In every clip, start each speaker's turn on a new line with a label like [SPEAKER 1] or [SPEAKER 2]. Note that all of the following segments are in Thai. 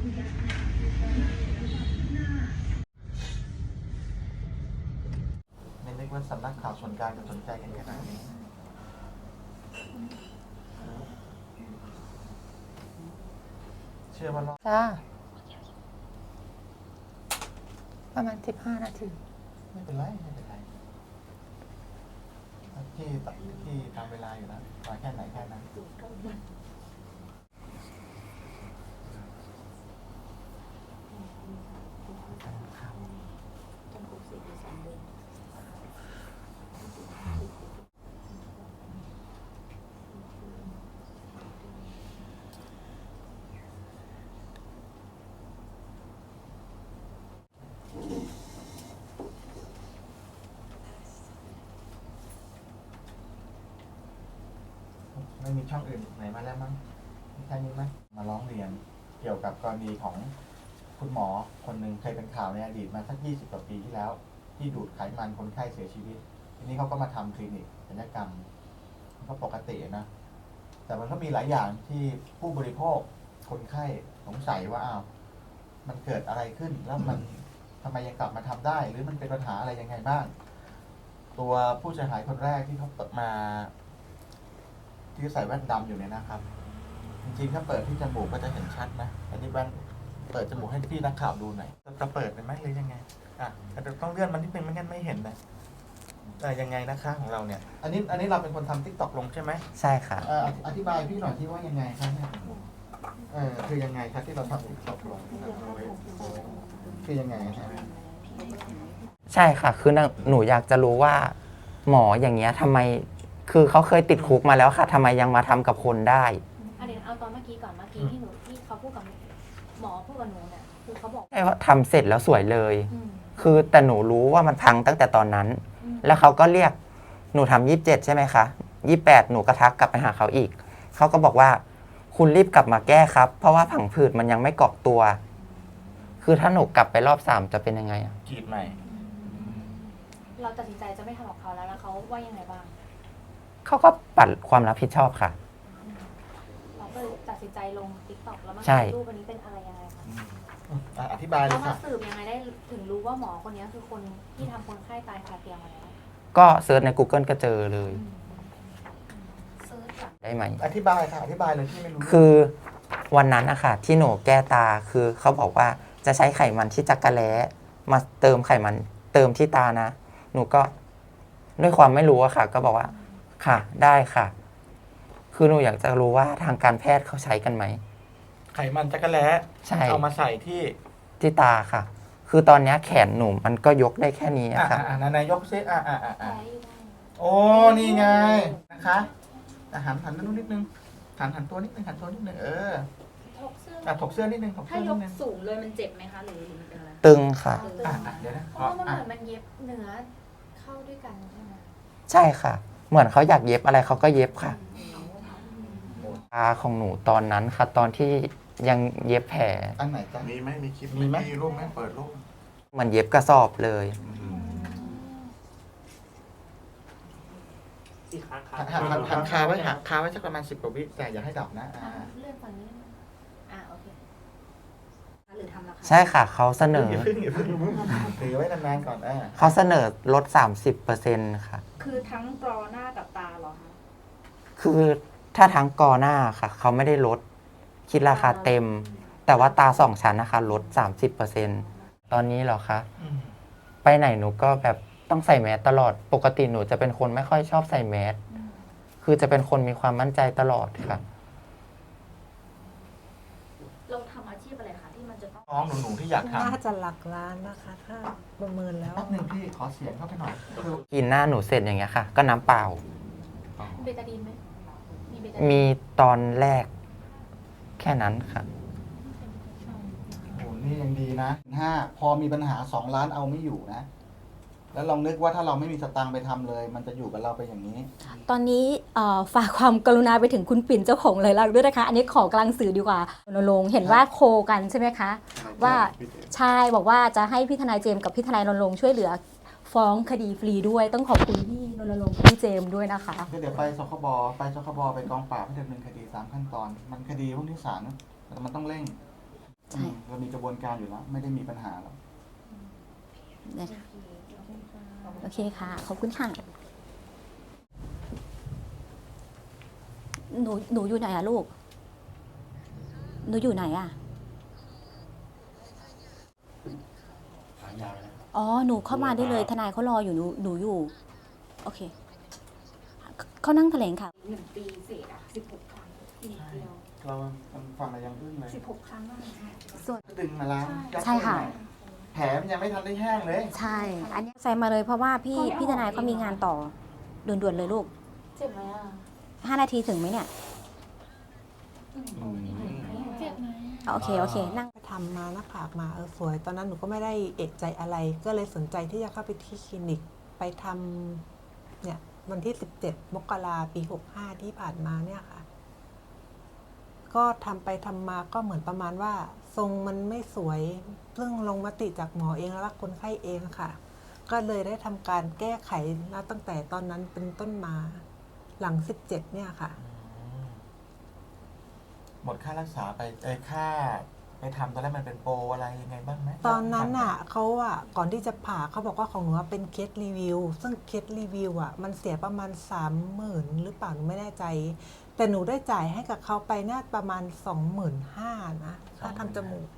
[SPEAKER 1] ไม่นึกว่าสำนักข่าวส่วนกลางจะสนใจกันขนาดนี้เชื่อว่ารอบ
[SPEAKER 2] จ้าประมาณ15 นาที
[SPEAKER 1] ไม่เป็นไรไม่เป็นไรที่ตามเวลาอยู่แล้วมาแค่ไหนแค่นั้นไม่มีช่องอื่นไหนมาแล้วมั้งมีแค่นี้มั้ยมาร้องเรียนเกี่ยวกับกรณีของคุณหมอคนหนึ่งเคยเป็นข่าวในอดีตมาสัก20 กว่าปีที่แล้วที่ดูดไขมันคนไข้เสียชีวิตทีนี้เขาก็มาทำคลินิกศัลยกรรมก็ปกตินะแต่มันก็มีหลายอย่างที่ผู้บริโภคคนไข้สงสัยว่าอ้าวมันเกิดอะไรขึ้นแล้วมันทำไมยังกลับมาทำได้หรือมันเป็นปัญหาอะไรยังไงบ้างตัวผู้เสียหายคนแรกที่เขาเปิดมาที่ใส่แว่นดำอยู่เนี่ยนะครับจริงๆถ้าเปิดที่จมูกก็จะเห็นชัดนะอันนี้แว่นเปิดจมูกให้พี่นักข่าวดูหน่อยจะเปิดเป็นไหมหรือยังไงแต่ต้องเลื่อนมันนิดนึงไม่งั้นไม่เห็นนะยังไงนะคะของเราเนี่ยอันนี้เราเป็นคนทำ TikTok ลงใช่ไหม
[SPEAKER 2] ใช่ค่ะ
[SPEAKER 1] อธิบายพี่หน่อยที่ว่ายังไงครับเนี่ยคือยังไงครับที่เราทำ TikTok ลงคือยังไงใช่ไหม
[SPEAKER 2] ใช่ค่ะคือหนูอยากจะรู้ว่าหมออย่างเงี้ยทำไมคือเขาเคยติดคุกมาแล้วค่ะทำไมยังมาทำกับคนได้
[SPEAKER 3] เดี๋ยวเอาตอนเมื่อกี้ก่อนเมื่อกี้ที่เขาพูดกับหมอพูดกับหนูเนี่ยคือเขาบอก
[SPEAKER 2] ใช่ว่าทำเสร็จแล้วสวยเลยคือแต่หนูรู้ว่ามันพังตั้งแต่ตอนนั้นแล้วเขาก็เรียกหนูทำ27ใช่ไหมคะ28หนูก็ทักกลับไปหาเขาอีกเขาก็บอกว่าคุณรีบกลับมาแก้ครับเพราะว่าผังผืดมันยังไม่เกาะตัวคือถ้าหนูกลับไปรอบ3จะเป็นยังไง
[SPEAKER 1] กรีดใหม่
[SPEAKER 3] เราตัดสินใจจะไม่ทำกับเขาแล้วเขาว่ายังไงบ้าง
[SPEAKER 2] เขาก็ปัดความรับผิดชอบค่ะ
[SPEAKER 3] เราก็ตัดสินใจลง TikTok แล้วมารูปวันนี้เป็นอะไรยังไงคะ
[SPEAKER 1] อธิบายเลย
[SPEAKER 3] ค่ะ
[SPEAKER 1] แล้ว
[SPEAKER 3] มาสืบยังไงได้ถึงรู้ว่าหมอคนนี้คือคนที่ทำคนไข้ตายคาเตียงมาแล้ว
[SPEAKER 2] ก็เซิร์ชใน Google ก็เจอเลย
[SPEAKER 3] เซิร์ช
[SPEAKER 2] ได้ไหม
[SPEAKER 1] อธิบายค่ะอธิบายเลยที่ไม่รู้
[SPEAKER 2] คือวันนั้นอะค่ะที่หนูแก้ตาคือเขาบอกว่าจะใช้ไขมันที่จักระแล้มาเติมไขมันเติมที่ตานะหนูก็ด้วยความไม่รู้อะค่ะก็บอกว่าค่ะได้ค่ะคือหนูอยากจะรู้ว่าทางการแพทย์เขาใช้กันไหม
[SPEAKER 1] ไขมันจักระแล้
[SPEAKER 2] ใช่
[SPEAKER 1] เอามาใส่
[SPEAKER 2] ที่ตาค่ะคือตอนนี้แขนหนูมันก็ยกได้แค่นี้ค่ะ
[SPEAKER 1] นายยกซิโอ้นี่ไงนะคะหันนู่นนิดนึงหันตัวนิดนึงถกเสื้อนิดนึง
[SPEAKER 3] ถ้ายกสูงเลยมันเจ็บไหมคะหรือมันเป็นอะไร
[SPEAKER 2] ตึงค่ะ
[SPEAKER 1] เดี๋ยวนะ
[SPEAKER 3] เพราะว่ามันเหมือนมันเย็บเนื้อเข้าด้วยกันใช่ไหม
[SPEAKER 2] ใช่ค่ะเหมือนเขาอยากเย็บอะไรเขาก็เย็บค่ะตาของหนูตอนนั้นค่ะตอนที่ยังเย็บแผล
[SPEAKER 1] อันไหนจ๊ะมีไหมมีคลิปมีรูปไหมเปิดรูป
[SPEAKER 2] มันเย็บกระสอบเลย
[SPEAKER 1] หันคาไว้สักประมาณ10 กว่าวิแต่อย่าให้ดับนะ
[SPEAKER 3] เลื่อนฝั่งนี้โอเคหรือทำราคา
[SPEAKER 2] ใช่ค่ะเขาเสนอ
[SPEAKER 1] ถือไว้นานๆก่อน
[SPEAKER 2] เขาเสนอลด 30% ค่ะ
[SPEAKER 3] คือทั้งกรอหน้ากับตาเหรอคะ
[SPEAKER 2] คือถ้าทั้งกอหน้าค่ะเขาไม่ได้ลดคิดราคาเต็มแต่ว่าตา2 ชั้นนะคะลด 30%ตอนนี้เหรอคะไปไหนหนูก็แบบต้องใส่แมสตลอดปกติหนูจะเป็นคนไม่ค่อยชอบใส่แมสคือจะเป็นคนมีความมั่นใจตลอดค่ะ
[SPEAKER 3] เราทำอาชีพอะไรคะที่มันจะต้อง
[SPEAKER 1] น้องหนูที่อยากทำ
[SPEAKER 4] น่าจะหลักล้านนะคะถ้าประเมินแล้ว
[SPEAKER 1] แป๊บนึงพี่ขอเสียงเข้าไปหน่อย
[SPEAKER 2] กินหน้าหนูเสร็จอย่างเงี้ยค่ะก็น้ำเปล่า
[SPEAKER 3] เบตาดีนไหม
[SPEAKER 2] มีตอนแรกแค่นั้นค่ะ
[SPEAKER 1] โอ้นี่ยังดีนะพอมีปัญหา2 ล้านเอาไม่อยู่นะแล้วลองนึกว่าถ้าเราไม่มีสตางค์ไปทำเลยมันจะอยู่กับเราไปอย่างนี้
[SPEAKER 4] ตอนนี้ฝากความกรุณาไปถึงคุณปิ่นเจ้าของเลยลักด้วยนะคะอันนี้ขอกลางสื่อดีกว่าโนรงเห็นว่าโคกันใช่ไหมคะว่าใช่บอกว่าจะให้พี่ทนายเจมส์กับพี่ทนายรณรงค์ช่วยเหลือฟ้องคดีฟรีด้วยต้องขอบคุณพี่รณรงค์พี่เจมส์ด้วยนะคะ
[SPEAKER 1] เดี๋ยวไปสคบไปกองปราบให้ดำเนินคดี3 ขั้นตอนมันคดีพวกที่ศาลมันต้องเร่ง
[SPEAKER 4] ช่
[SPEAKER 1] เรามีกระบวนการอยู่แล้ว ไม่ได้มีปัญหาแล้ว
[SPEAKER 4] นะคะโอเคค่ะ ขอบคุณค่ะ หนูอยู่ไหนอะลูก หนูอยู่ไหนอะอ๋อ หนูเข้ามาได้เลย ทนายเขารออยู่ หนูอยู่ โอเค เขานั่งแถลงค่ะ
[SPEAKER 3] 1 ปีเศษอะ16 ครั้งปีเดียว
[SPEAKER 1] เราฟังอะไรยังอึ้งเลย
[SPEAKER 3] 16 ครั้งแล้วนะคะ
[SPEAKER 4] ส่วน
[SPEAKER 1] ดึงมาล้างยัด
[SPEAKER 4] ใช่ค่ะ
[SPEAKER 1] เข้าไปแผลมันยังไม่ทันได้แห้งเลย
[SPEAKER 4] ใช่ อันนี้ใส่มาเลยเพราะว่าพี่ทนายเขามีงานต่อด่วนๆเลยลูก
[SPEAKER 3] เจ็บไหมอะ
[SPEAKER 4] 5 นาทีถึงไหมเนี่ย
[SPEAKER 3] เจ็บไหม
[SPEAKER 4] โอเค โอเค นั่ง
[SPEAKER 5] ไปทำมาหน้าผากมาสวย ตอนนั้นหนูก็ไม่ได้เอกใจอะไร ก็เลยสนใจที่จะเข้าไปที่คลินิกไปทำเนี่ยวันที่ 17 มกราปี 65 ที่ผ่านมาเนี่ยค่ะ ก็ทำไปทำมาก็เหมือนประมาณว่า ทรงมันไม่สวยซึ่งลงมติจากหมอเองแล้วก็คนไข้เองค่ะ ก็เลยได้ทำการแก้ไขแล้วตั้งแต่ตอนนั้นเป็นต้นมาหลัง 17 เนี่ยค่ะ
[SPEAKER 1] หมดค่ารักษาไปค่าไปทำตอนแรกมันเป็นโปรอะไรยังไงบ้างไหม
[SPEAKER 5] ตอนนั้นอ่ะเขาอ่ะก่อนที่จะผ่าเขาบอกว่าของหนูเป็นเคสรีวิวซึ่งเคสรีวิวอ่ะมันเสียประมาณ 30,000หรือเปล่าหนูไม่แน่ใจ แต่หนูได้จ่ายให้กับเขาไปน่าประมาณ 25,000นะค่าทำจมูก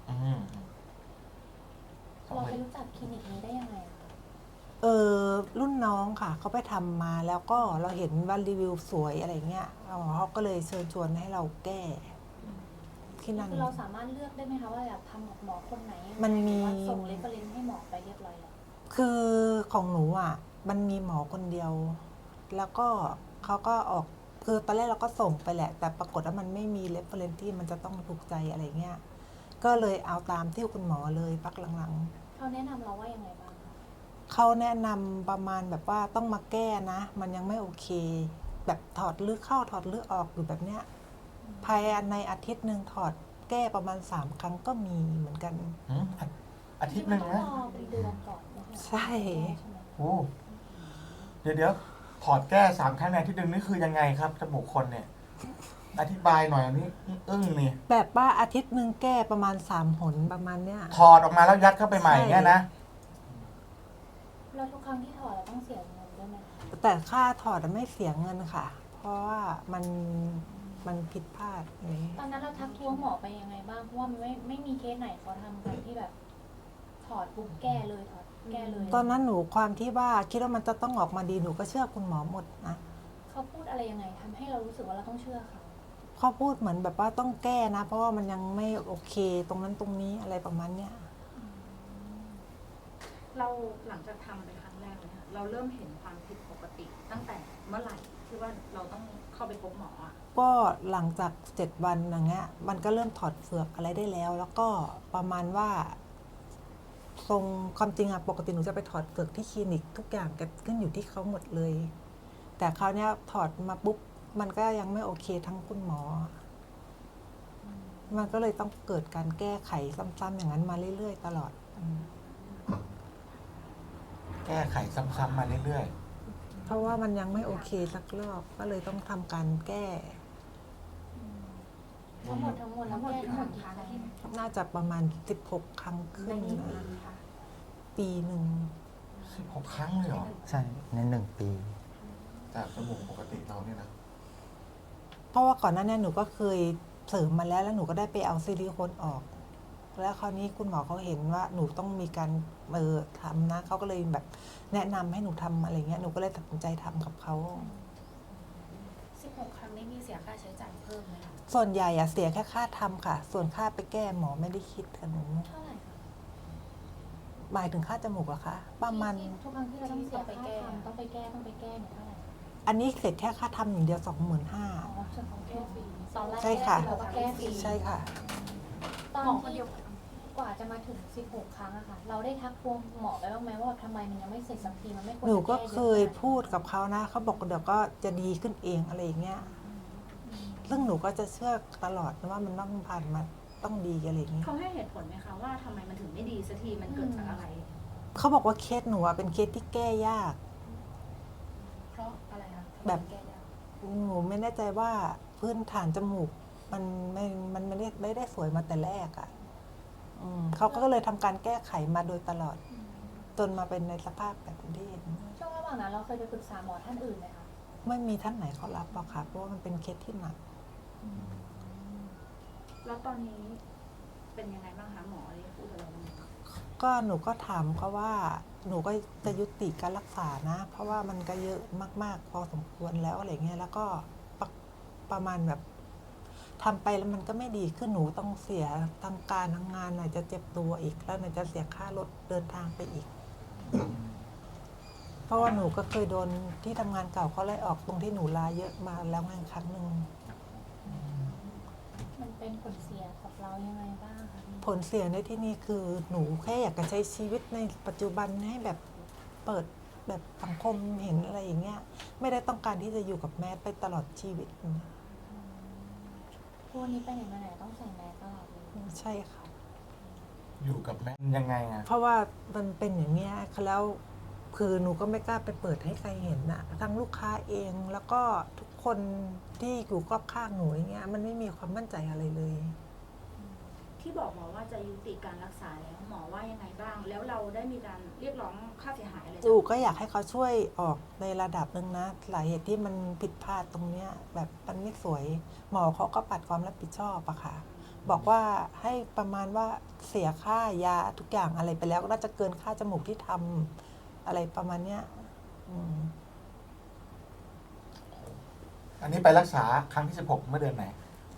[SPEAKER 3] เราไปรู้จักคลินิกนี้ได้ยังไงอะคะ
[SPEAKER 5] รุ่นน้องค่ะเขาไปทำมาแล้วก็เราเห็นว่ารีวิวสวยอะไรเงี้ยเขาก็เลยเชิญชวนให้เราแก้ที่นั่น
[SPEAKER 3] คือเราสามารถเลือกได้ไหมคะว่าอยากทำกับหมอคนไหนยังไง
[SPEAKER 5] มันมี
[SPEAKER 3] หรือว่าส่งเรฟเฟอเรนซ์ให้หมอไปเรียบร้อยแล้ว
[SPEAKER 5] คือของหนูอ่ะมันมีหมอคนเดียว แล้วก็เขาก็ออกคือตอนแรกเราก็ส่งไปแหละ แต่ปรากฏว่ามันไม่มีเรฟเฟอเรนซ์ที่มันจะต้องถูกใจอะไรเงี้ยก็เลยเอาตามที่คุณหมอเลยพักหลังๆ
[SPEAKER 3] เขาแนะนำเราว่ายังไงบ้างคะ
[SPEAKER 5] เขาแนะนำประมาณแบบว่าต้องมาแก้นะ มันยังไม่โอเค แบบถอดลึกเข้าถอดลึกออกอยู่แบบเนี้ยภายในอาทิตย์หนึ่งถอดแก้ประมาณ 3 ครั้งก็มีเหมือนกัน
[SPEAKER 1] อาทิตย์หนึ่ง
[SPEAKER 3] ต้
[SPEAKER 1] นะ
[SPEAKER 3] องรอเป็นเดือนก่อนนะคะ
[SPEAKER 5] ใช่
[SPEAKER 3] ใช่ไหม
[SPEAKER 1] โอ้เดี๋ยวถอดแก้3 ครั้งในอาทิตย์หนึ่งนี่คือยังไงครับจมูกคนเนี่ย อธิบายหน่อยอันนี้อึ้งนี่
[SPEAKER 5] แบบว่าอาทิตย์หนึ่งแก้ประมาณ3 หนประมาณเนี้ย
[SPEAKER 1] ถอดออกมาแล้วยัดเข้าไปใหม่เนี่ยนะ
[SPEAKER 3] แล้วทุกครั้งที่ถอดเราต้องเสียเงินด้วยไหมคะ
[SPEAKER 5] แต่ค่าถอดไม่เสียเงินค่ะ เพราะว่ามันผิดพลาดอะไรอย่างเงี้ย
[SPEAKER 3] ตอนนั้นเราทักท้วงหมอไปยังไงบ้างเพราะว่ามันไม่มีเคสไหนเขาทำกันที่แบบ ถอดปุ๊บแก้เลยถอดแก้เลย
[SPEAKER 5] ตอนนั้นหนูความที่ว่าคิดว่ามันจะต้องออกมาดีหนูก็เชื่อคุณหมอหมดนะ
[SPEAKER 3] เขาพูดอะไรยังไงทำให้เรารู้สึกว่าเราต้องเชื่อเขา
[SPEAKER 5] เขาพูดเหมือนแบบว่าต้องแก้นะ เพราะว่ามันยังไม่โอเค ตรงนั้นตรงนี้อะไรประมาณเนี้ย
[SPEAKER 6] เราหลังจากทำเป็นครั้งแรกเลยค่ะเราเริ่มเห็นความผิดปกติตั้งแต่เมื่อไหร่ที่ว่าเราต้องเข้าไปพบหมออ่ะ
[SPEAKER 5] ก็หลังจาก7 วันอย่างเงี้ยมันก็เริ่มถอดเฟือกอะไรได้แล้ว แล้วก็ประมาณว่าทรงความจริงอะปกติหนูจะไปถอดเฟือกที่คลินิกทุกอย่างก็ขึ้นอยู่ที่เขาหมดเลย แต่คราวเนี้ยถอดมาปุ๊บมันก็ยังไม่โอเคทั้งคุณหมอ มันก็เลยต้องเกิดการแก้ไขซ้ำๆอย่างนั้นมาเรื่อยๆตลอด
[SPEAKER 1] แก้ไขซ้ำๆมาเรื่อย
[SPEAKER 5] เพราะว่ามันยังไม่โอเคสักรอบก็เลยต้องทำการแก้
[SPEAKER 3] ทั้งหมดแล้วแก้ทั้งหมดกี่ครั้ง
[SPEAKER 5] น่าจะประมาณ16 ครั้งขึ้นนะปีหนึ่ง
[SPEAKER 1] ๆ16 ครั้งเลยเหรอ
[SPEAKER 2] ใช่ ใน 1 ปี
[SPEAKER 1] จากจมูกปกติเราเนี่ยนะ
[SPEAKER 5] เพราะว่าก่อนหน้านี้หนูก็เคยเสริมมาแล้วหนูก็ได้ไปเอาซิลิโคนออก แล้วคราวนี้คุณหมอเขาเห็นว่าหนูต้องมีการทำนะเขาก็เลยแบบแนะนำให้หนูทำอะไรเงี้ยหนูก็เลยตัดสินใจทำกับเขา
[SPEAKER 6] 16 ครั้งนี้มีเสียค่าใช้จ่ายเพิ่มไหมคะ
[SPEAKER 5] ส่วนใหญ่อะเสียแค่ค่าทำค่ะ ส่วนค่าไปแก้หมอไม่ได้คิดกับหนู
[SPEAKER 3] เท่าไหร่คะ
[SPEAKER 5] หมายถึงค่าจมูกเหรอคะประมาณ
[SPEAKER 3] ทุกครั้งที่เราต้องเสียค่าทำต้องไปแก้เนี่ยเท่าไหร่
[SPEAKER 5] อันนี้เสร็จแค่ค่าทำอย่างเดียว 25,000
[SPEAKER 3] อ๋อส่วนของแก้ฟรีตอนแรก
[SPEAKER 5] ใช่ค่ะ
[SPEAKER 3] เราก็แก้ฟรี
[SPEAKER 5] ใช่ค่ะ
[SPEAKER 3] ตอนที่กว่าจะมาถึง16 ครั้งอะค่ะ เราได้ทักท้วงหมอไปบ้างไหมว่าทำไมมันยังไม่เสร็จสักทีมันไม่ควร
[SPEAKER 5] หนูก็
[SPEAKER 3] จะแ
[SPEAKER 5] เคยพูดกับเขานะเขาบอกเดี๋ยวก็จะดีขึ้นเองอะไรอย่างเงี้ยซึ่งหนูก็จะเชื่อตลอดนะว่ามันต้องผ่านมาต้องดีอะไรอย่างเงี้ย
[SPEAKER 6] เขาให้เหตุผลไหมคะว่าทำไมมันถึงไม่ดีสักทีมันเกิดจากอะไร
[SPEAKER 5] เขาบอกว่าเคสหนูอะเป็นเคสที่แก้ยาก
[SPEAKER 6] เพราะอะไรคะ
[SPEAKER 5] แบบ
[SPEAKER 6] แก้ยาก
[SPEAKER 5] หนูไม่แน่ใจว่าพื้นฐานจมูกมันไม่ได้สวยมาแต่แรกอะเขาก็เลยทำการแก้ไขมาโดยตลอดจนมาเป็นในสภาพแบบที่เห็น
[SPEAKER 3] ช่วงระหว่างนั้นเราเคยไปปรึกษาหมอท่านอื่นไหมคะ
[SPEAKER 5] ไม่มีท่านไหนเขารับหรอกค่ะเพราะว่ามันเป็นเคสที่หนัก
[SPEAKER 6] แล้วตอนนี้เป็นยังไงบ้างคะหมอได้พูดอะไรบ้างไหม
[SPEAKER 5] ก็หนูก็ถามเขาว่าหนูก็จะยุติการรักษานะ เพราะว่ามันก็เยอะมากๆพอสมควรแล้วอะไรเงี้ยแล้วก็ประมาณแบบทำไปแล้วมันก็ไม่ดีขึ้นหนูต้องเสียทั้งการทั้งงานไหนจะเจ็บตัวอีกแล้วไหนจะเสียค่ารถเดินทางไปอีก เพราะว่าหนูก็เคยโดนที่ทำงานเก่าเขาไล่ออกตรงที่หนูลาเยอะมาแล้วงานครั้งหนึ่ง
[SPEAKER 3] มันเป็นผลเสียกับเรายังไงบ้างคะพี่
[SPEAKER 5] ผลเสียในที่นี่คือหนูแค่อยากจะใช้ชีวิตในปัจจุบันให้แบบเปิดแบบสังคมเห็นอะไรอย่างเงี้ยไม่ได้ต้องการที่จะอยู่กับแมสไปตลอดชีวิต
[SPEAKER 3] พวกนี้ไปไหนมาไหนต้องใส่แมสตลอดเลย
[SPEAKER 5] ใช่ค่ะ
[SPEAKER 1] อยู่กับแม่ยังไงอะ
[SPEAKER 5] เพราะว่ามันเป็นอย่างเงี้ยแล้วคือหนูก็ไม่กล้าไปเปิดให้ใครเห็นนะทั้งลูกค้าเองแล้วก็ทุกคนที่อยู่รอบข้างหนูอย่างเงี้ยมันไม่มีความมั่นใจอะไรเลย
[SPEAKER 6] ที่บอกหมอว่าจะยุติการรักษาแล้วหมอว่ายังไงบ้าง แล้วเราได้มีการเรียกร้องค่าเสียหายอะไรจาก
[SPEAKER 5] หนูก็อยากให้เขาช่วยออกในระดับหนึ่งนะหลายเหตุที่มันผิดพลาดตรงเนี้ยแบบมันไม่สวย หมอเขาก็ปัดความรับผิดชอบอะค่ะ บอกว่าให้ประมาณว่าเสียค่ายาทุกอย่างอะไรไปแล้วก็น่าจะเกินค่าจมูกที่ทำอะไรประมาณเนี้ยอืม
[SPEAKER 1] อันนี้ไปรักษาครั้งที่ 16 เมื่อเดือนไหน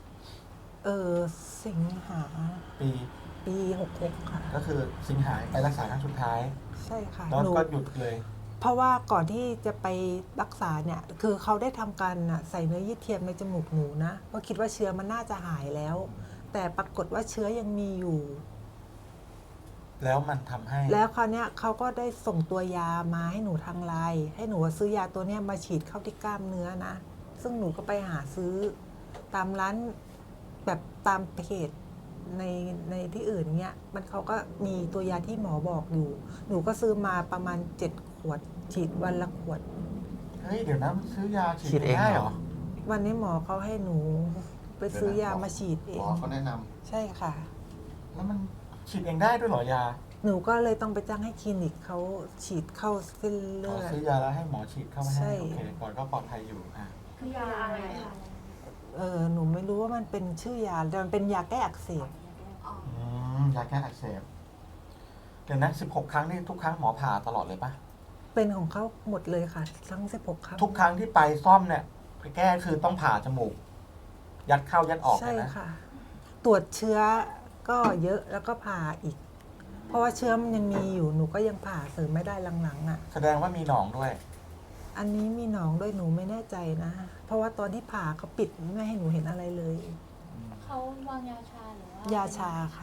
[SPEAKER 5] สิงหา
[SPEAKER 1] ปี
[SPEAKER 5] ปี66ค่ะ
[SPEAKER 1] ก็คือสิงหาไปรักษาครั้งสุดท้าย
[SPEAKER 5] ใช่ค่ะ
[SPEAKER 1] แล้ว
[SPEAKER 5] หนู
[SPEAKER 1] ก็หยุดเลย
[SPEAKER 5] เพราะว่าก่อนที่จะไปรักษาเนี่ย คือเขาได้ทำการใส่เนื้อเยื่อเทียมในจมูกหนูนะเพราะคิดว่าเชื้อมันน่าจะหายแล้ว แต่ปรากฏว่าเชื้อยังมีอยู่
[SPEAKER 1] แล้วมันทำให้
[SPEAKER 5] แล้วคราวเนี้ยเขาก็ได้ส่งตัวยามาให้หนูทางไลน์ให้หนูซื้อยาตัวเนี้ยมาฉีดเข้าที่กล้ามเนื้อนะ ซึ่งหนูก็ไปหาซื้อตามร้านแบบตามเพจในที่อื่นเงี้ยมันเขาก็มีตัวยาที่หมอบอกอยู่ หนูก็ซื้อมาประมาณ7 ขวด ฉีดวันละขวด
[SPEAKER 1] เฮ้ย เดี๋ยวนะมันซื้อยาฉี
[SPEAKER 2] ฉี
[SPEAKER 1] ด
[SPEAKER 2] ดเอง
[SPEAKER 1] ได้
[SPEAKER 2] เห
[SPEAKER 1] เห
[SPEAKER 2] ร
[SPEAKER 1] ร
[SPEAKER 2] อ
[SPEAKER 1] อ
[SPEAKER 5] วันนี้หมอเขาให้หนูไปซื้อยามาฉีดเอ
[SPEAKER 7] หม
[SPEAKER 5] ง
[SPEAKER 7] อเขาแนะนำ
[SPEAKER 5] ใช่ค่ะ
[SPEAKER 1] แล้วมันฉีดเองได้ด้วยเหรอยา
[SPEAKER 5] หนูก็เลยต้องไปจ้างให้คลินิกเขาฉีดเข้าเส้น
[SPEAKER 1] ข
[SPEAKER 5] เลื
[SPEAKER 1] อ
[SPEAKER 5] อด
[SPEAKER 1] ซื้อยาแล้วให้หมอฉีดเข้ามา
[SPEAKER 5] ใช่
[SPEAKER 1] ให้ โอเค ก่อนก็ปลอดภัยอยู่
[SPEAKER 6] คือยาอะไรคะ
[SPEAKER 5] หนูไม่รู้ว่ามันเป็นชื่อยาแต่มันเป็นยาแก้อักเสบ
[SPEAKER 1] ยาแก้อักเสบ เดี๋ยวนะ16 ครั้งนี่ทุกครั้งหมอผ่าตลอดเลยปะ
[SPEAKER 5] เป็นของเขาหมดเลยค่ะ ทั้ง16 ครั้ง
[SPEAKER 1] ทุกครั้งที่ไปซ่อมเนี่ยไปแก้คือต้องผ่าจมูก ยัดเข้ายัดออกเล
[SPEAKER 5] ใช่
[SPEAKER 1] ยนะ
[SPEAKER 5] ค่ะ ตรวจเชื้อก็เยอะแล้วก็ผ่าอีก เพราะว่าเชื้อมันยังมีอยู่หนูก็ยังผ่าเสริมไม่ได้หลังๆอ่ะ
[SPEAKER 1] แสดงว่ามีหนองด้วย
[SPEAKER 5] อันนี้มีหนองด้วยหนูไม่แน่ใจนะ เพราะว่าตอนที่ผ่าเขาปิดไม่ให้หนูเห็นอะไรเลย
[SPEAKER 3] เขาวางยาชาหรือว่าย
[SPEAKER 5] าชาค่ะ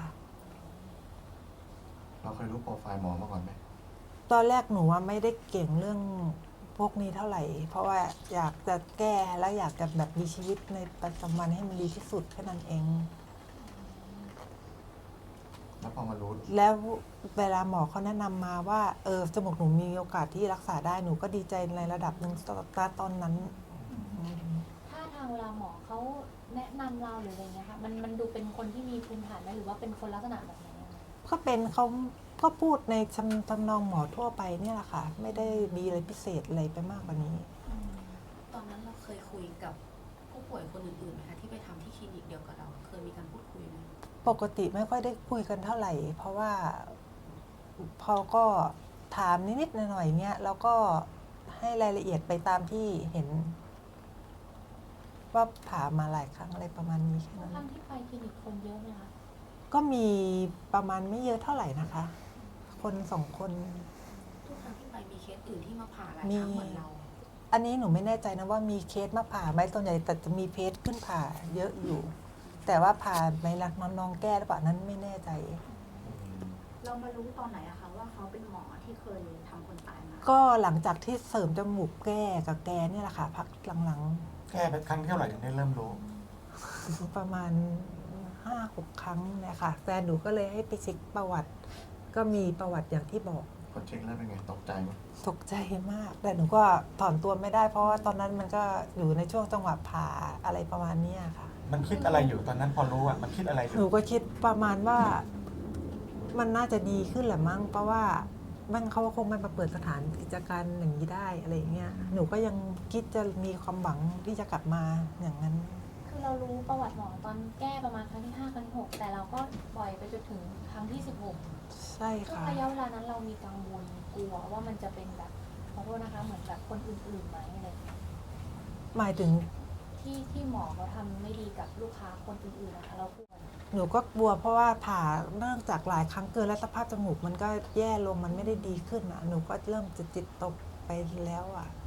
[SPEAKER 7] เราเคยรู้โปรไฟล์หมอมาก่อนไหม
[SPEAKER 5] ตอนแรกหนูว่าไม่ได้เก่งเรื่องพวกนี้เท่าไหร่ เพราะว่าอยากจะแก้และอยากจะแบบมีชีวิตในปัจจุบันให้มันดีที่สุดแค่นั้นเอง
[SPEAKER 7] แล้วพอมารู้
[SPEAKER 5] แล้วเวลาหมอเขาแนะนำมาว่าจมูกหนูมีโอกาสที่รักษาได้หนูก็ดีใจในระดับหนึ่งตอนนั้น
[SPEAKER 3] ถ้าทางเวลาหมอเขาแนะนำเราหรืออะไรเงี้ยค่ะมันดูเป็นคนที่มีภูมิฐานไหมหรือว่าเป็นคนลักษณะแบบไหนอะ
[SPEAKER 5] ก็เป็นเขาก็พูดในทำนองหมอทั่วไปเนี่ยแหละค่ะ ไม่ได้มีอะไรพิเศษอะไรไปมากกว่านี้
[SPEAKER 8] ตอนนั้นเราเคยคุยกับผู้ป่วยคนอื่นๆไหมคะที่ไปทำที่คลินิกเดียวกับเรา เคยมีการพูดคุยไหม
[SPEAKER 5] ปกติไม่ค่อยได้คุยกันเท่าไหร่ เพราะว่าพอก็ถามนิดๆหน่อยๆเนี่ยแล้วก็ให้รายละเอียดไปตามที่เห็น ว่าผ่ามาหลายครั้งอะไรประมาณนี้แค่
[SPEAKER 3] ทุก
[SPEAKER 5] นั้น
[SPEAKER 3] ครั้งที่ไปคลินิกคนเยอะไหมคะ
[SPEAKER 5] ก็มีประมาณไม่เยอะเท่าไหร่นะคะ คน2 คน
[SPEAKER 8] ทุกครั้งที่ไปมีเคสอื่นที่มาผ่าหลาย
[SPEAKER 5] มี
[SPEAKER 8] ครั้งเหมือนเรา
[SPEAKER 5] อันนี้หนูไม่แน่ใจนะว่ามีเคสมาผ่าไหมส่วนใหญ่แต่จะมีเคสขึ้นผ่าเยอะอยู่ แต่ว่าผ่าไหมล่ะน้องๆแก้หรือเปล่านั้นไม่แน่ใจ
[SPEAKER 6] เรามารู้ตอนไหนอะคะว่าเขาเป็นหมอที่เคยทำคนตายมา
[SPEAKER 5] ก็หลังจากที่เสริมจมูกแก้กับแกเนี่ยแหละค่ะ พักหลัง
[SPEAKER 1] แก้ไปครั้งที่เท่าไหร่ถึงได้เริ่มรู้
[SPEAKER 5] ๆ ประมาณ 5-6 ครั้งเนี่ยค่ะ แฟนหนูก็เลยให้ไปเช็คประวัติ ก็มีประวัติอย่างที่บอก
[SPEAKER 7] พอเช็คแล้วเป็นไงตกใจไหม
[SPEAKER 5] ตกใจมาก แต่หนูก็ถอนตัวไม่ได้ เพราะว่าตอนนั้นมันก็อยู่ในช่วงจังหวะผ่าอะไรประมาณเนี้ยค่ะ
[SPEAKER 1] มันคิดอะไรอยู่ตอนนั้นพอรู้อ่ะ มันคิดอะไรอ
[SPEAKER 5] หนู
[SPEAKER 1] ยู่
[SPEAKER 5] ก็คิดประมาณว่ามันน่าจะดีขึ้นแหละมั้งเพราะว่ามันเขาคงไม่มาเปิดสถานกิจการอย่างนี้ได้อะไรอย่างเงี้ยหนูก็ยังคิดจะมีความหวังที่จะกลับมาอย่างนั้น
[SPEAKER 3] คือเรารู้ประวัติหมอตอนแก้ประมาณครั้งที่ 5 ครั้งที่ 6 แต่เราก็ปล่อยไปจนถึงครั้งที่ 16
[SPEAKER 5] ใช่
[SPEAKER 3] ช่วง
[SPEAKER 5] ค่ะ
[SPEAKER 3] ระยะเวลานั้นเรามีกังวลกลัวว่ามันจะเป็นแบบขอโทษนะคะเหมือนแบบคนอื่นๆไหมอะไรอย่างเงี้ย
[SPEAKER 5] หมายถึง
[SPEAKER 3] ที่หมอเขาทำไม่ดีกับลูกค้าคนอื่นๆนะคะเรากลัว
[SPEAKER 5] หนูก็กลัวเพราะว่าผ่าเนื่องจากหลายครั้งเกินและสภาพจมูกมันก็แย่ลงมันไม่ได้ดีขึ้นอ่ะหนูก็เริ่มจะจิตตกไปแล้วอ่ะ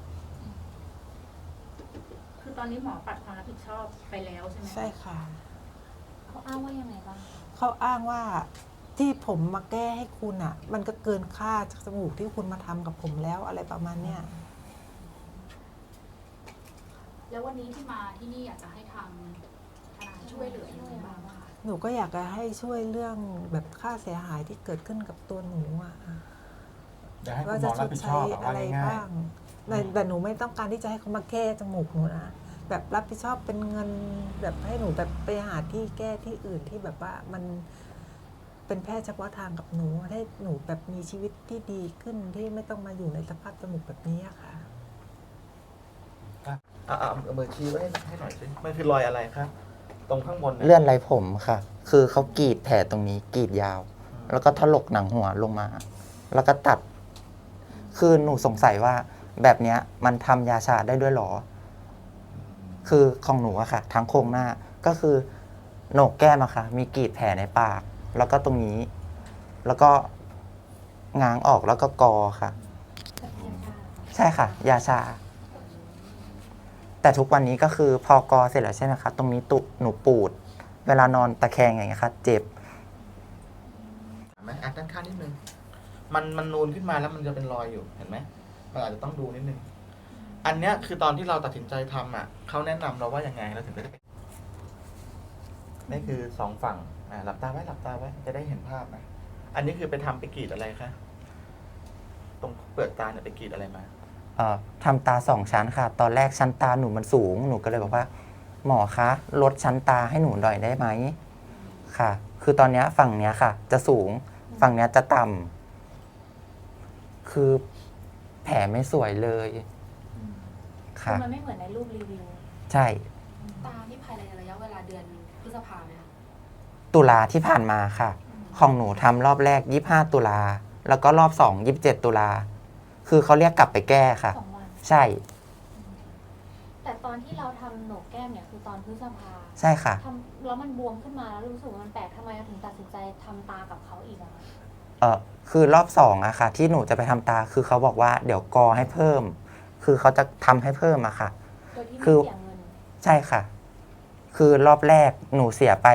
[SPEAKER 6] คือตอนนี้หมอปัดความรับผิดชอบไปแล้วใช่ไหมคะ
[SPEAKER 5] ใช่ค่ะ
[SPEAKER 3] เขาอ้างว่ายังไงบ้าง
[SPEAKER 5] เขาอ้างว่าที่ผมมาแก้ให้คุณอ่ะ มันก็เกินค่าจากจมูกที่คุณมาทำกับผมแล้วอะไรประมาณเนี้ย
[SPEAKER 8] แล้ววันนี้ที่มาที่นี่อยากจะให้ทางทนายช่วยเหลือยังไงบ้างคะ
[SPEAKER 5] หนูก็อยากจะให้ช่วยเรื่องแบบค่าเสียหายที่เกิดขึ้นกับตัวหนูอ่ะ
[SPEAKER 1] เดี๋ยวให้คุ
[SPEAKER 5] ว่า
[SPEAKER 1] ณหม
[SPEAKER 5] จะ
[SPEAKER 1] อ
[SPEAKER 5] ช
[SPEAKER 1] รับ
[SPEAKER 5] ด
[SPEAKER 1] ผิดช
[SPEAKER 5] ใช้
[SPEAKER 1] อบอะ
[SPEAKER 5] อะ
[SPEAKER 1] ว่า
[SPEAKER 5] ไร
[SPEAKER 1] ง่าย
[SPEAKER 5] บ้างแต่หนูไม่ต้องการที่จะให้เขามาแก้จมูกหนูนะแบบรับผิดชอบเป็นเงินแบบให้หนูแบบไปหาที่แก้ที่อื่นที่แบบว่ามันเป็นแพทย์เฉพาะทางกับหนูให้หนูแบบมีชีวิตที่ดีขึ้นที่ไม่ต้องมาอยู่ในสภาพจมูกแบบนี้อะค่ะ
[SPEAKER 1] เอามือชี้ไว้ให้หน่อยสิมันคือรอยอะไรครับตรงข้างบนเนี่ย
[SPEAKER 2] เลื่อนไรผมค่ะ คือเขากรีดแผลตรงนี้กรีดยาว แล้วก็ถลกหนังหัวลงมา แล้วก็ตัด คือหนูสงสัยว่าแบบเนี้ยมันทำยาชาได้ด้วยเหรอ คือของหนูอะค่ะ ทั้งโครงหน้าก็คือโหนกแก้มอะค่ะ มีกรีดแผลในปาก แล้วก็ตรงนี้ แล้วก็ง้างออกแล้วก็กอค่ะ ใช่ค่ะ ยาชา แต่ทุกวันนี้ก็คือพอกอเสร็จแล้วใช่ไหมคะ ตรงนี้หนูปูด เวลานอนตะแคงอย่างเงี้ยค่ะ เจ็บ
[SPEAKER 1] เห็นไหมอัดด้านข้างนิดนึงมันนูนขึ้นมาแล้วมันจะเป็นรอยอยู่เห็นไหมมันอาจจะต้องดูนิดนึงอันเนี้ยคือตอนที่เราตัดสินใจทำอ่ะเขาแนะนำเราว่ายังไงเราถึงจะได้นี่คือสองฝั่งหลับตาไว้หลับตาไว้จะได้เห็นภาพนะอันนี้คือไปทำไปกรีดอะไรคะตรงเปลือกตาเนี่ยไปกรีดอะไรมา
[SPEAKER 2] ทำตา2 ชั้นค่ะ ตอนแรกชั้นตาหนูมันสูง หนูก็เลยบอกว่า หมอคะลดชั้นตาให้หนูหน่อยได้ไหมค่ะ คือตอนเนี้ยฝั่งเนี้ยค่ะ จะสูง ฝั่งเนี้ยจะต่ำคือแผลไม่สวยเลย
[SPEAKER 3] คือ
[SPEAKER 2] ค่ะ
[SPEAKER 3] มันไม่เหมือนในรูปรีวิว
[SPEAKER 2] ใช่
[SPEAKER 8] ตาที่ภายในระยะเวลาเดือนพฤษภาไหมคะ
[SPEAKER 2] ตุลาที่ผ่านมาค่ะ ของหนูทำรอบแรก25 ตุลา แล้วก็รอบ2 27 ตุลา คือเขาเรียกกลับไปแก้ค่ะ
[SPEAKER 3] 2 วัน
[SPEAKER 2] ใช่
[SPEAKER 3] แต่ตอนที่เราทำโหนกแก้มเนี่ยคือตอนพฤษภา
[SPEAKER 2] ใช่ค่ะ
[SPEAKER 3] ทำแล้วมันบวมขึ้นมาแล้วรู้สึกว่ามันแปลกทำไมเราถึงตัดสินใจทำตากับเขาอีกอะคะ
[SPEAKER 2] คือรอบ2อะค่ะ ที่หนูจะไปทำตา คือเขาบอกว่าเดี๋ยวกอให้เพิ่ม คือเขาจะทำให้เพิ่มอะค่ะ
[SPEAKER 3] โดยที่
[SPEAKER 2] คื
[SPEAKER 3] ไม่
[SPEAKER 2] อ
[SPEAKER 3] เสียเงิน
[SPEAKER 2] ใช่ค่ะ คือรอบแรกหนูเสียไป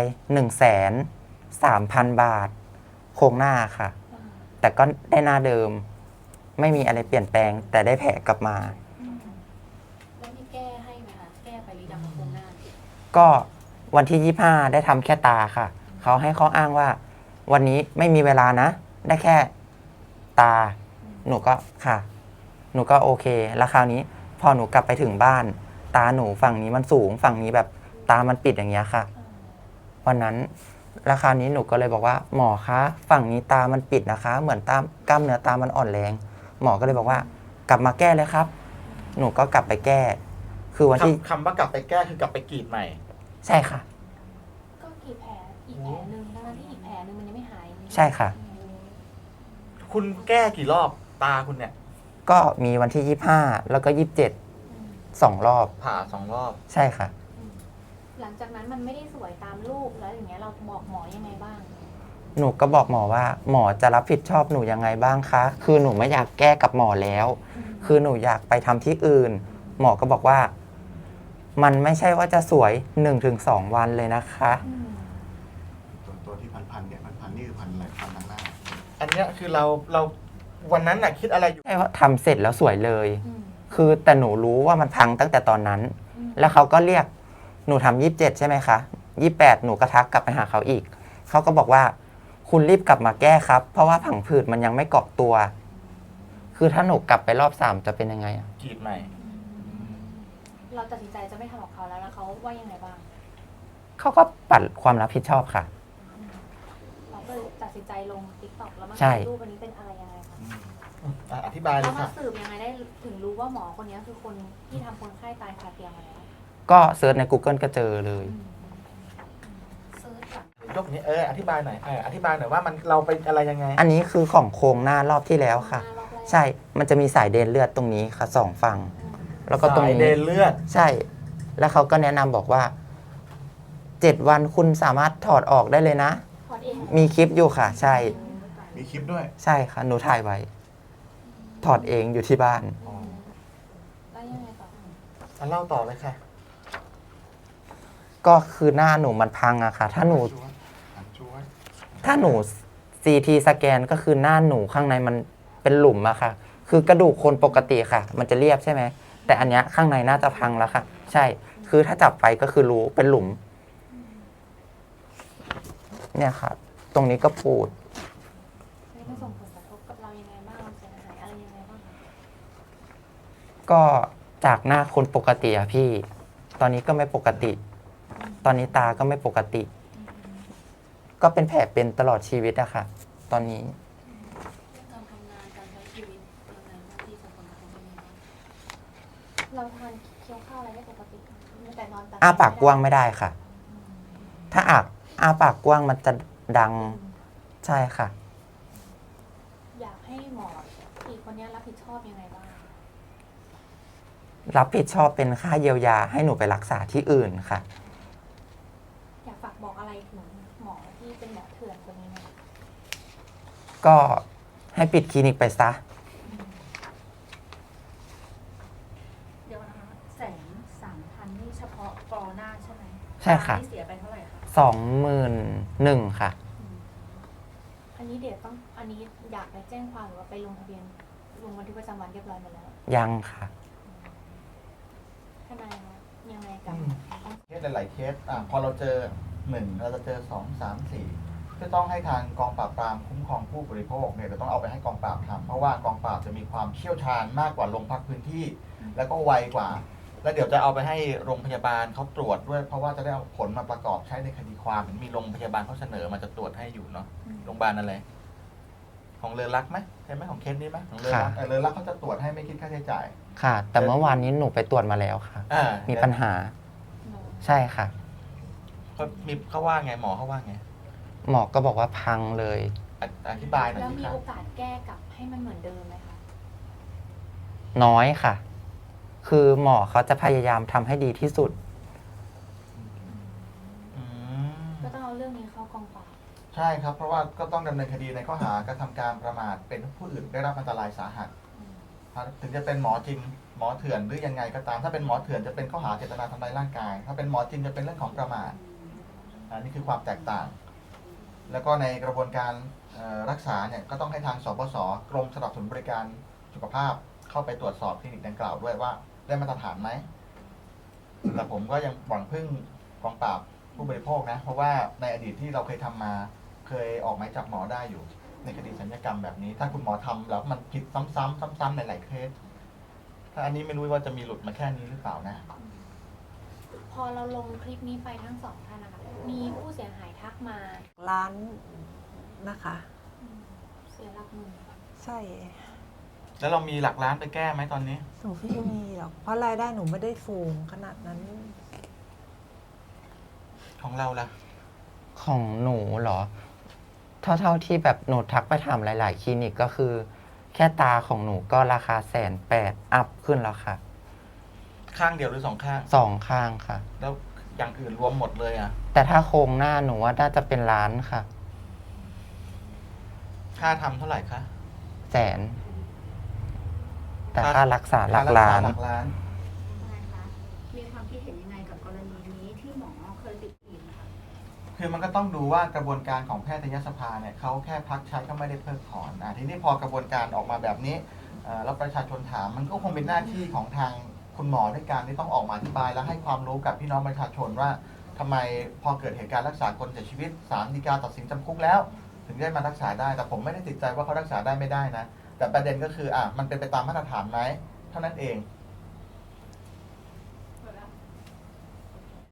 [SPEAKER 2] 130,000 บาท โครงหน้าค่ะ แต่ก็ได้หน้าเดิม ไม่มีอะไรเปลี่ยนแปลง แต่ได้แผลกลับมา
[SPEAKER 8] แล้วมีแก้ให้ไหมคะ แก้ไปหรือยังกับโครงหน้า
[SPEAKER 2] ก็วันที่25ได้ทำแค่ตาค่ะ เขาให้ข้ออ้างว่า วันนี้ไม่มีเวลานะ ได้แค่ตา หนูก็ค่ะ หนูก็โอเค แล้วคราวนี้ พอหนูกลับไปถึงบ้าน ตาหนูฝั่งนี้มันสูง ฝั่งนี้แบบตามันปิดอย่างเงี้ยค่ะ วันนั้นแล้วคราวนี้หนูก็เลยบอกว่า หมอคะ ฝั่งนี้ตามันปิดนะคะ เหมือนกล้ามเนื้อตามันอ่อนแรง หมอก็เลยบอกว่า กลับมาแก้เลยครับ หนูก็กลับไปแก้ คือวันที่
[SPEAKER 1] คำว่ากลับไปแก้คือกลับไปกรีดใหม่
[SPEAKER 2] ใช่ค่ะ
[SPEAKER 3] ก็กี่แผลอีกแผลหนึ่งทั้งที่อีกแผลหนึ่งมันยังไม่หาย
[SPEAKER 2] ใช่ค่ะ
[SPEAKER 1] คุณแก้กี่รอบตาคุณเนี่ย
[SPEAKER 2] ก็มีวันที่25แล้วก็27 2 รอบ
[SPEAKER 1] ผ่า2 รอบ
[SPEAKER 2] ใช่ค่ะ
[SPEAKER 3] หลังจากนั้นมันไม่ได้สวยตามรูปแล้วอย่างเงี้ยเราบอกหมอยังไงบ้าง
[SPEAKER 2] หนูก็บอกหมอว่า หมอจะรับผิดชอบหนูยังไงบ้างคะ คือหนูไม่อยากแก้กับหมอแล้ว คือหนูอยากไปทำที่อื่น หมอก็บอกว่า มันไม่ใช่ว่าจะสวย 1-2 วันเลยนะคะ
[SPEAKER 7] ตัวที่พันเนี่ยพันนี่คือพันอะไรพันทางหน้า
[SPEAKER 1] อันเนี้ยคือเราวันนั้นน่ะคิดอะไรอยู่
[SPEAKER 2] ใช่ว่าทำเสร็จแล้วสวยเลย
[SPEAKER 3] อืม
[SPEAKER 2] คือแต่หนูรู้ว่ามันพังตั้งแต่ตอนนั้น
[SPEAKER 3] อืม
[SPEAKER 2] แล้วเขาก็เรียกหนูทำ27ใช่ไหมคะ28หนูก็ทักกลับไปหาเขาอีก เขาก็บอกว่า คุณรีบกลับมาแก้ครับ เพราะว่าผังผืดมันยังไม่เกาะตัว คือถ้าหนูกลับไปรอบ3จะเป็นยังไงอะ
[SPEAKER 1] กรีดใหม่
[SPEAKER 3] เราตัดสินใจจะไม่ทำกับเขาแล้วเขาว่ายังไงบ้าง
[SPEAKER 2] เขาก็ปัดความรับผิดชอบค่ะ
[SPEAKER 3] เราก็เลยตัดสินใจลงติ๊กต็อกแล้วมา
[SPEAKER 2] ใช่
[SPEAKER 3] รูปอันนี้เป็นอะไรยังไงคะ
[SPEAKER 1] อธิบายเล
[SPEAKER 3] แล้
[SPEAKER 1] ยว
[SPEAKER 3] มา
[SPEAKER 1] ค่ะ
[SPEAKER 3] สืบยังไงได้ถึงรู้ว่าหมอคนนี้คือคนที่ทำคนไข้ตายคาเตียงมาแล้ว
[SPEAKER 2] ก็เซิร์ชใน Google ก็เจอเลย
[SPEAKER 8] เซิร์ชก่อน
[SPEAKER 1] ยกนี้อธิบายหน่อยอธิบายหน่อยว่ามันเราเป็นอะไรยังไง
[SPEAKER 2] อันนี้คือของโครงหน้ารอบที่แล้วค่ะ
[SPEAKER 3] รอบแรก
[SPEAKER 2] ใช่ มันจะมีสายเดินเลือดตรงนี้ค่ะสองฝั่ง แล้วก็ตรง
[SPEAKER 1] สาย
[SPEAKER 2] นี้
[SPEAKER 1] เดินเลือด
[SPEAKER 2] ใช่ แล้วเขาก็แนะนำบอกว่า 7 วันคุณสามารถถอดออกได้เลยนะ
[SPEAKER 3] ถอดเอง
[SPEAKER 2] มีคลิปอยู่ค่ะ ใช่
[SPEAKER 7] มีคลิปด้วย
[SPEAKER 2] ใช่ค่ะ หนูถ่ายไว้ ถอดเองอยู่ที่บ้าน
[SPEAKER 3] แล้วยังไงต่อ
[SPEAKER 1] เล่าต่อเลยค่ะ
[SPEAKER 2] ก็คือหน้าหนูมันพังอะค่ะ ถ้าหนู ถ้าหนู CT สแกนก็คือหน้าหนูข้างในมันเป็นหลุมอะค่ะ คือกระดูกคนปกติค่ะ มันจะเรียบใช่ไหม แต่อันเนี้ยข้างในน่าจะพังแล้วค่ะ ใช่ คือถ้าจับไปก็คือรู้เป็นหลุม เนี่ยค่ะ ตรงนี้ก็ปูด
[SPEAKER 3] มันส่งผลกระทบกับเรายังไงบ้างเราเสียหายอะไรยังไงบ้างคะ
[SPEAKER 2] ก็จากหน้าคนปกติอะพี่ ตอนนี้ก็ไม่ปกติ ตอนนี้ตาก็ไม่ปกติ ก็เป็นแผลเป็นตลอดชีวิตอะค่ะ ตอนนี้
[SPEAKER 8] การทำงานการใช้ชีวิตยังไงบ้างที่จะผลกระทบยังไงบ้าง
[SPEAKER 3] เราทานเคี้ยวข้าวอะไรได้ปกติแต่นอน
[SPEAKER 2] อ้าปากกว้างไม่ได้ค่ะ ถ้าอ้าปากกว้างมันจะดัง ใช่ค่ะ
[SPEAKER 3] อยากให้หมออีกคนนี้รับผิดชอบยังไงบ้าง
[SPEAKER 2] รับผิดชอบเป็นค่าเยียวยาให้หนูไปรักษาที่อื่นค่ะ
[SPEAKER 3] อยากฝากบอกอะไรถึงหมอที่เป็นหมอเถื่อนคนนี้ไหม
[SPEAKER 2] ก็ให้ปิดคลินิกไปซะ
[SPEAKER 6] เดี๋ยวนะคะ130,000นี่เฉพาะกอหน้าใช่ไหม
[SPEAKER 2] ใช่ค่ะ
[SPEAKER 6] ที่เสียไปเท่าไหร่คะ
[SPEAKER 2] 21,000ค่ะ
[SPEAKER 3] อันนี้เดี๋ยวต้องอันนี้อยากไปแจ้งความหรือว่าไปลงทะเบียนลงบันทึกประจำวันเรียบร้อยหมดแล้ว
[SPEAKER 2] ยังค่ะ
[SPEAKER 3] ทนายคะยังไงกับ
[SPEAKER 1] เคสหลายๆเคสพอเราเจอ1เราจะเจอ2 3 4ก็ต้องให้ทางกองปราบปรามคุ้มครองผู้บริโภคเนี่ยจะต้องเอาไปให้กองปราบทำเพราะว่ากองปราบจะมีความเชี่ยวชาญมากกว่าโรงพักพื้นที่ แล้วก็ไวกว่า แล้วเดี๋ยวจะเอาไปให้โรงพยาบาลเขาตรวจด้วย เพราะว่าจะได้เอาผลมาประกอบใช้ในคดีความเห็นมีโรงพยาบาลเขาเสนอมาจะตรวจให้อยู่เนาะโรงพยาบาลอะไรของเรือรักไหมใช่ไหมของเคสนี้ไหมของเรือรัก
[SPEAKER 2] ค่ะ
[SPEAKER 1] เรือรักเขาจะตรวจให้ไม่คิดค่าใช้จ่าย
[SPEAKER 2] ค่ะ แต่เมื่อวานนี้หนูไปตรวจมาแล้วค่ะ มีปัญหา ใช่ค่ะ
[SPEAKER 1] เขามีเขาว่าไงหมอเขาว่าไง
[SPEAKER 2] หมอก็บอกว่าพังเลย
[SPEAKER 1] อธิบายหน่อย
[SPEAKER 3] แล้ว
[SPEAKER 1] สิ
[SPEAKER 3] มี
[SPEAKER 1] ครับ
[SPEAKER 3] โอกาสแก้กลับให้มันเหมือนเดิมไหมคะ
[SPEAKER 2] น้อยค่ะ คือหมอเขาจะพยายามทำให้ดีที่สุด
[SPEAKER 1] อืม
[SPEAKER 3] ก็ต้องเอาเรื่องนี้เข้ากองปราบ
[SPEAKER 1] ใช่ครับ เพราะว่าก็ต้องดำเนินคดีในข้อหากระทำการประมาทเป็นผู้อื่นได้รับอันตรายสาหัส ถึงจะเป็นหมอจริงหมอเถื่อนหรือยังไงก็ตาม ถ้าเป็นหมอเถื่อนจะเป็นข้อหาเจตนาทำลายร่างกาย ถ้าเป็นหมอจริงจะเป็นเรื่องของประมาทอันนี้คือความแตกต่าง แล้วก็ในกระบวนการรักษาเนี่ยก็ต้องให้ทางสปสกรมสนับสนุนบริการสุขภาพเข้าไปตรวจสอบคลินิกดังกล่าวด้วยว่าได้มาตรฐานไหมแต่ผมก็ยังหวังพึ่งกองปราบผู้บริโภคนะ เพราะว่าในอดีตที่เราเคยทำมาเคยออกหมายจับหมอได้อยู่ ในคดีสัญญกรรมแบบนี้ ถ้าคุณหมอทำแล้วมันผิดซ้ำๆในหลายเคส ถ้าอันนี้ไม่รู้ว่าจะมีหลุดมาแค่นี้หรือเปล่านะ
[SPEAKER 3] พอเราลงคลิปนี้ไปทั้งสองท่านนะคะมีผู้เสียหายทักมา
[SPEAKER 5] ร้านนะคะ
[SPEAKER 3] เสียหลักหมื่น
[SPEAKER 5] ใช่
[SPEAKER 1] แล้วเรามีหลักล้านไปแก้ไหมตอนนี้
[SPEAKER 5] หนูไม่มีหรอก เพราะรายได้หนูไม่ได้สูงขนาดนั้น
[SPEAKER 1] ของเราล่ะ
[SPEAKER 2] ของหนูเหรอ เท่าที่แบบหนูทักไปถามหลาย ๆ คลินิกก็คือ แค่ตาของหนูก็ราคา180,000อัพขึ้นแล้วค่ะ
[SPEAKER 1] ข้างเดียวหรือสองข้าง
[SPEAKER 2] 2 ข้างค่ะ
[SPEAKER 1] แล้วอย่างอื่นรวมหมดเลยอ่ะ
[SPEAKER 2] แต่ถ้าโครงหน้าหนูว่าน่าจะเป็นล้านค่ะ
[SPEAKER 1] ค่าทำเท่าไหร่คะ
[SPEAKER 2] 100,000แต่ค่ารักษาหลักล้าน
[SPEAKER 1] หลักล้าน
[SPEAKER 6] นะคะมีความคิดเห็นยังไงกับกรณีนี้ที่หมอเคยติดอีกนะคะ
[SPEAKER 1] คือมันก็ต้องดูว่ากระบวนการของแพทยสภาเนี่ยเขาแค่พักใช้ก็ไม่ได้เพิกถอนทีนี้พอกระบวนการออกมาแบบนี้แล้วประชาชนถามมันก็คงเป็นหน้าที่ของทางคุณหมอด้วยการที่ต้องออกมาอธิบายและให้ความรู้กับพี่น้องประชาชนว่าทำไมพอเกิดเหตุการณ์รักษาคนเสียชีวิตศาลฎีกาตัดสินจำคุกแล้ว ถึงได้มารักษาได้แต่ผมไม่ได้ติดใจว่าเขารักษาได้ไม่ได้นะแต่ประเด็นก็คือมันเป็นไปตามมาตรฐานไหมเท่านั้นเอง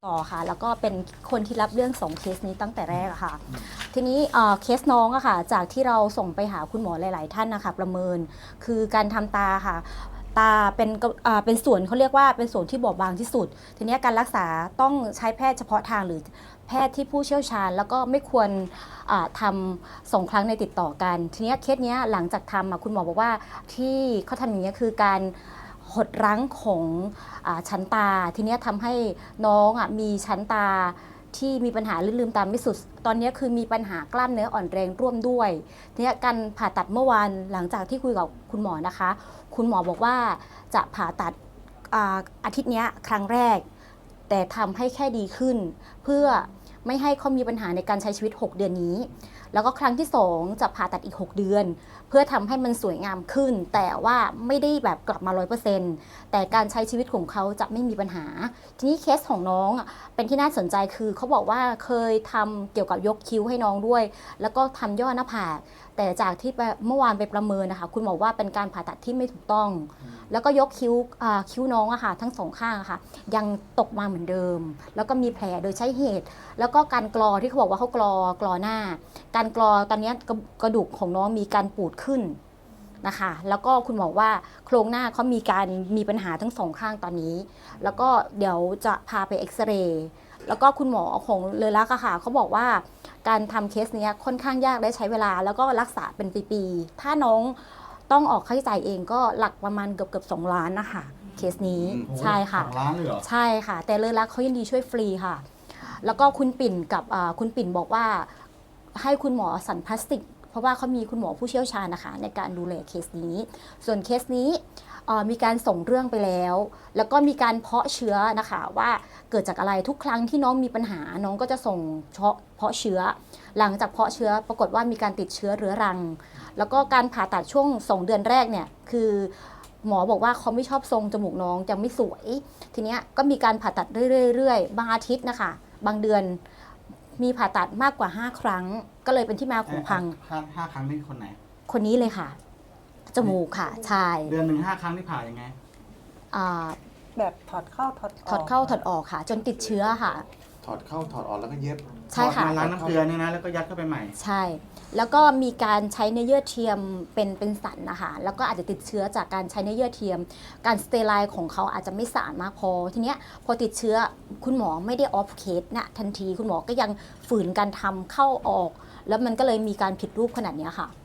[SPEAKER 4] ต่อค่ะ แล้วก็เป็นคนที่รับเรื่อง2เคสนี้ตั้งแต่แรกอะค่ะ ทีนี้เคสน้องอะค่ะจากที่เราส่งไปหาคุณหมอหลาย ๆ ท่านนะคะประเมินคือการทำตาค่ะ ตาเป็นส่วนเขาเรียกว่าเป็นส่วนที่บอบบางที่สุด ทีนี้การรักษาต้องใช้แพทย์เฉพาะทางหรือแพทย์ที่ผู้เชี่ยวชาญ แล้วก็ไม่ควรทำ2 ครั้งในติดต่อกัน ทีนี้เคสเนี้ยหลังจากทำคุณหมอบอกว่าที่เขาทำอย่างนี้ยคือการหดรั้งของชั้นตา ทีนี้ทำให้น้องมีชั้นตาที่มีปัญหาลืมตาไม่สุด ตอนนี้คือมีปัญหากล้ามเนื้ออ่อนแรงร่วมด้วย ทีนี้การผ่าตัดเมื่อวานหลังจากที่คุยกับคุณหมอนะคะ คุณหมอบอกว่าจะผ่าตัดอาทิตย์นี้ครั้งแรก แต่ทำให้แค่ดีขึ้น เพื่อไม่ให้เขามีปัญหาในการใช้ชีวิต6 เดือนนี้ แล้วก็ครั้งที่2จะผ่าตัดอีก6 เดือน เพื่อทำให้มันสวยงามขึ้น แต่ว่าไม่ได้แบบกลับมา 100%แต่การใช้ชีวิตของเขาจะไม่มีปัญหา ทีนี้เคสของน้องเป็นที่น่าสนใจคือเขาบอกว่าเคยทำเกี่ยวกับยกคิ้วให้น้องด้วย แล้วก็ทำย่อหน้าผากแต่จากที่เมื่อวานไปประเมินนะคะคุณหมอว่าเป็นการผ่าตัดที่ไม่ถูกต้อง แล้วก็ยกคิ้วน้องอะค่ะทั้ง2 ข้างอะค่ะยังตกมาเหมือนเดิม แล้วก็มีแผลโดยใช้เหตุ แล้วก็การกรอที่เขาบอกว่าเขากรอหน้า การกรอตอนนี้กระดูกของน้องมีการปูดขึ้นนะคะแล้วก็คุณหมอว่าโครงหน้าเขามีปัญหาทั้ง2 ข้างตอนนี้ แล้วก็เดี๋ยวจะพาไปเอ็กซเรย์แล้วก็คุณหมอของเลอลักษ์อะค่ะเขาบอกว่าการทำเคสนี้ค่อนข้างยากและใช้เวลาแล้วก็รักษาเป็นปีๆถ้าน้องต้องออกค่าใช้จ่ายเองก็หลักประมาณเกือบ2 ล้านนะคะเคสนี้ใช่ค่ะ
[SPEAKER 1] 2 ล้านเลยเหรอ
[SPEAKER 4] ใช่ค่ะแต่เลอลักษ์เขายินดีช่วยฟรีค่ะ แล้วก็คุณปิ่นกับคุณปิ่นบอกว่าให้คุณหมอสั่นพลาสติก เพราะว่าเขามีคุณหมอผู้เชี่ยวชาญนะคะในการดูแลเคสนี้ ส่วนเคสนี้มีการส่งเรื่องไปแล้ว แล้วก็มีการเพาะเชื้อนะคะว่าเกิดจากอะไรทุกครั้งที่น้องมีปัญหาน้องก็จะส่งเพาะเชื้อ หลังจากเพาะเชื้อปรากฏว่ามีการติดเชื้อเรื้อรัง แล้วก็การผ่าตัดช่วง2 เดือนแรกเนี่ยคือหมอบอกว่าเขาไม่ชอบทรงจมูกน้องจะไม่สวย ทีเนี้ยก็มีการผ่าตัดเรื่อยๆบางอาทิตย์นะคะบางเดือนมีผ่าตัดมากกว่า5 ครั้ง ก็เลยเป็นที่มาของพัง
[SPEAKER 9] 5 ครั้งนี่คนไหน
[SPEAKER 4] คนนี้เลยค่ะ จมูกค่ะใช่
[SPEAKER 9] เดือนหนึ่ง5 ครั้งที่ผ่ายังไง
[SPEAKER 4] อ่า
[SPEAKER 5] แบบถอดเข้าถอดออก
[SPEAKER 4] ถอดเข้าถอดออกค่ะ จนติดเชื้อค่ะ
[SPEAKER 7] ถอดเข้าถอดออกแล้วก็เย็บ
[SPEAKER 4] ใช่ค่ะ
[SPEAKER 9] มาล้างน้ำเกลือเนี่ยนะ แล้วก็ยัดเข้าไปใหม่
[SPEAKER 4] ใช่ แล้วก็มีการใช้เนื้อเยื่อเทียมเป็นสันนะคะ แล้วก็อาจจะติดเชื้อจากการใช้เนื้อเยื่อเทียม การสเตอร์ไลน์ของเขาอาจจะไม่สะอาดมากพอ ทีเนี้ยพอติดเชื้อคุณหมอไม่ได้ออฟเคสนะทันทีคุณหมอก็ยังฝืนการทำเข้าออก แล้วมันก็เลยมีการผิดรูปขนาดเนี้ยค่ะ